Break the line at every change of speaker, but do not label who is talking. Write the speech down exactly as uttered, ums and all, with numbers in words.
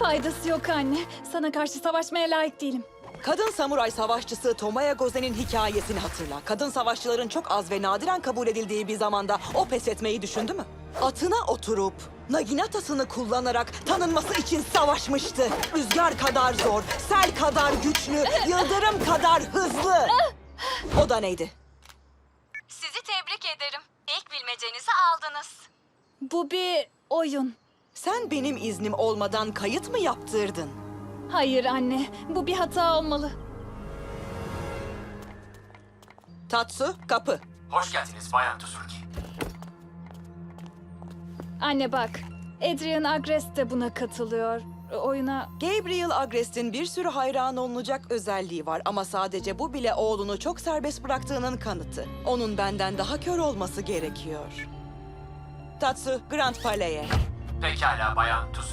Faydası yok anne. Sana karşı savaşmaya layık değilim.
Kadın samuray savaşçısı Tomoya Gozen'in hikayesini hatırla. Kadın savaşçıların çok az ve nadiren kabul edildiği bir zamanda o pes etmeyi düşündü mü? Atına oturup Naginatasını kullanarak tanınması için savaşmıştı. Rüzgar kadar zor, sel kadar güçlü, yıldırım kadar hızlı. O da neydi?
Sizi tebrik ederim. İlk bilmecenizi aldınız.
Bu bir oyun.
Sen benim iznim olmadan kayıt mı yaptırdın?
Hayır anne, bu bir hata olmalı.
Tatsu, kapı.
Hoş geldiniz Bayan Tsurugi.
Anne bak, Adrian Agrest de buna katılıyor. Oyuna...
Gabriel Agrest'in bir sürü hayran olunacak özelliği var ama sadece bu bile oğlunu çok serbest bıraktığının kanıtı. Onun benden daha kör olması gerekiyor. Tatsu, Grand Palais'e.
Pekala Bayan Tsurugi.